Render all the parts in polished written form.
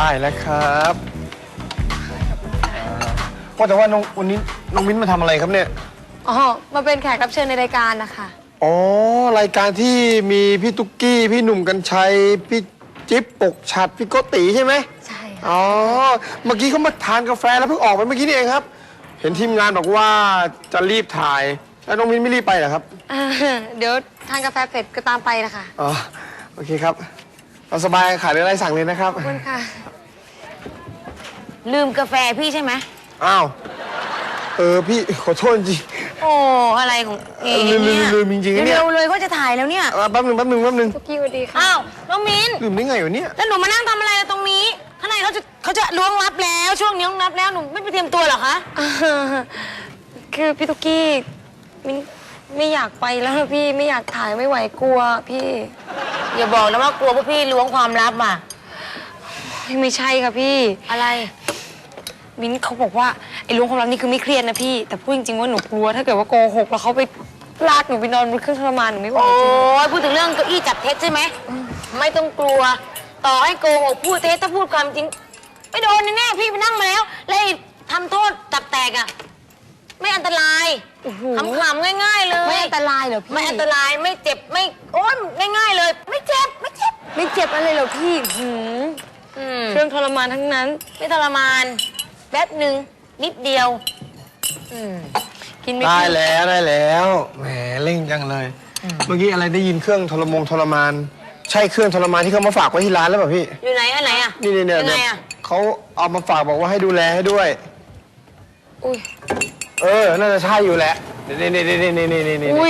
ได้แล้วครับว่าแต่ว่าวันนี้น้องมิ้นมาทำอะไรครับเนี่ยอ๋อ มาเป็นแขกรับเชิญในรายการนะคะอ๋อรายการที่มีพี่ตุ๊กกี้พี่หนุ่มกัญชัยพี่จิ๊บปกฉัดพี่โกติใช่ไหมใช่ค่ะอ๋อเมื่อกี้เขามาทานกาแฟแล้วเพิ่งออกไปเมื่อกี้นี่เองครับ เห็นทีมงานบอกว่าจะรีบถ่ายแล้วน้องมิ้นไม่รีบไปเหรอครับเดี๋ยวทานกาแฟเสร็จก็ตามไปนะคะอ๋อโอเคครับเราสบายขายอะไรสั่งเลยนะครับขอบคุณค่ะลืมกาแฟพี่ใช่ไหมอ้าวพี่ขอโทษจริงโอ้อะไรของเองลืมเนี่ยลืมจริงๆเนี่ยเร็วๆเลยก็จะถ่ายแล้วเนี่ยแป๊บหนึ่งทุกกี้สวัสดีค่ะอ้าวน้องมิ้นลืมได้ไงวะเนี่ยแล้วหนูมานั่งทำอะไรตรงนี้ข้างในเขาจะล้วงลับแล้วช่วงนี้ล้วงลับแล้วหนูไม่ไปเตรียมตัวเหรอคะคือพี่ตุ๊กกี้มิ้นไม่อยากไปแล้วนะพี่ไม่อยากถ่ายไม่ไหวกลัวพี่อย่าบอกนะว่ากลัวพวกพี่ล้วงความลับอ่ะไม่ใช่ค่ะพี่อะไรมิ้นเขาบอกว่าไอ้ล้วงความลับนี่คือไม่เครียดนะพี่ แต่พูดจริงๆว่าหนูกลัวถ้าเกิดว่าโกหกแล้วเขาไปลากหนูไปนอนบนเครื่องทรมานหนูไม่ไหวโอ้จริงยพูดถึงเรื่องเก้าอี้จับเท็จใช่ไหมไม่ต้องกลัว ต่อให้โกหกพูดเท็จถ้าพูดความจริงไม่โดนแน่ๆพี่ไปนั่งมาแล้วแล้วไอ้ทำโทษจับแตกอ่ะไม่อันตรายขำๆง่ายๆเลยไม่อันตรายเหรอพี่ไม่อันตรายไม่เจ็บไม่โอ้ยง่ายๆเลย ไม่เจ็บไม่เจ็บอะไรเหรอพี่เครื่องทรมานทั้งนั้นไม่ทรมานแป๊บหนึ่งนิดเดียวกินไม่ได้กินแล้วแหมเร่งจังเลย เมื่อกี้อะไรได้ยินเครื่องทรมาน ใช่เครื่องทรมานที่เขามาฝากไว้ที่ร้านแล้วเปล่าพี่อยู่ไหนอันไหนอ่ะนี่เนี่ยยังไงอ่ะเขาเอามาฝากบอกว่าให้ดูแลให้ด้วยอุ้ยน่าจะใช่อยู่แหละนี่อุ้ย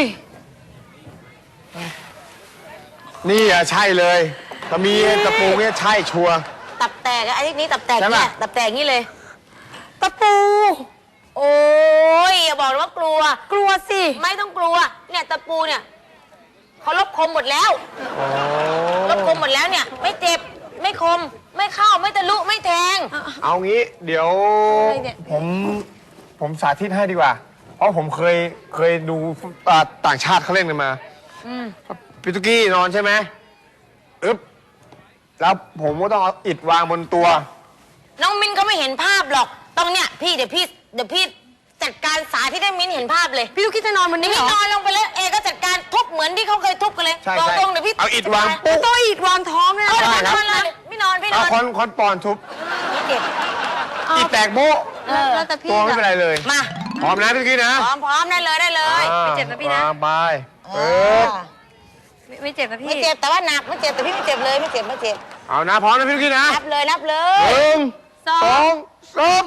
นี่อ่ะใช่เลยถ้ามีตะปูเนี่ยใช่ชัวร์ตับแตกอะไอ้นี้ตับแตกใช่เนี่ปะยตับแตกนี่เลยตะปูโอ้ยอย่าบอกนะว่ากลัวกลัวสิไม่ต้องกลัว เนี่ยตะปูเนี่ยเขาลบคมหมดแล้วอ๋อลบคมหมดแล้วเนี่ย ไม่เจ็บไม่คมไม่เข้าไม่ทะลุไม่แทงเอางี้เดี๋ยวอะไรเนี่ยผมสาธิตให้ดีกว่า เพราะผมเคยดูต่างชาติเขาเล่นกันมาพี่ตุกกี้นอนใช่ไหมอึ๊บแล้วผมก็ต้องเอาอิฐวางบนตัวน้องมินก็ไม่เห็นภาพหรอกต้องเนี่ยพี่เดี๋ยวพี่จัดการสาธิตให้มินเห็นภาพเลยพี่ลูกคิดจะนอนบนนี้นี่เหรอนอนลงไปเลยเอก็จัดการทุบเหมือนที่เขาเคยทุบกันเลยใช่ตรงๆเดี๋ยวพี่เอาอิฐวางปุ๊บโต้อิดวางท้องเนี่ยเอาใช่นครับอนเลยพี่นอนเอาคอนปอนทุบไม่เจ็บอิฐแตกโบ๊ะแล้วแต่พี่ตัวไม่เป็นไรเลยมาพร้อมนะพี่ตุกกี้นะพร้อมได้เลยไม่เจ็บนะพี่นะวางไปเอปึ๊อบไม่เจ็บนะพี่ไม่เจ็บแต่ว่าหนักไม่เจ็บแต่พี่ไม่เจ็บเลยไม่เจ็บเอานะพร้อมนะพี่ตุกกี้นะนับเลยหนึ่งสองสาม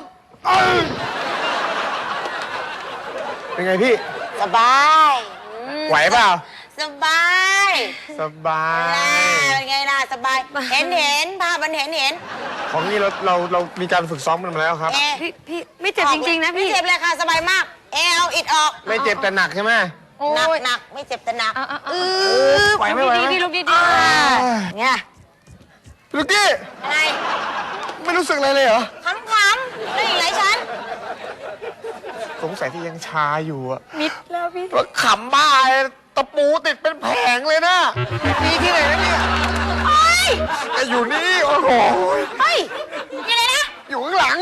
เป็นไงพี่สบายไหวเปล่าสบายสบายเป็นไงล่ะสบายเห็นภาพมันเห็นของนี่เรามีการฝึกซ้อมกันมาแล้วครับเอพี่ไม่เจ็บจริงๆนะพี่ไม่เจ็บเลยค่ะสบายมากเอเอาอิดออกไม่เจ็บแต่หนักใช่ไหมโอ้หนักไม่เจ็บแต่หนักไหวไหมไหวไหมดีๆลูกดีเนี่ยลูกกี้อะไรไม่รู้สึกอะไรเลยเหรอขำๆได้อีกหลายชั้นสงสัยที่ยังชาอยู่อะๆมิดแล้วพี่ว่าขำบ้าตะปูติดเป็นแผงเลยนะมีที่ไหนนะเนี่ยเฮ้ยแต่อยู่นี่โอ้โหเฮ้ยยังไงนะอยู่ข้างหลัง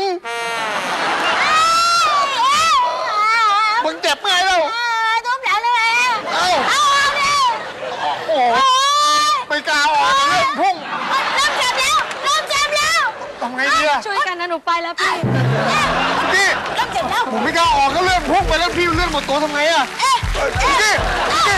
มึงเจ็บไงเล่าทุบหลังเลยเอ้าเอาเลยโอ้โหไม่กล้าออกเล่นพุ่งเริ่มเจ็บแล้วทำไงดีอะช่วยกันนะหนูไปแล้วพี่พี่เริ่มเจ็บแล้วผมไม่กล้าออกก็เลื่อนพุ่งไปแล้วพี่เลื่อนหมดตัวทำไงอะพี่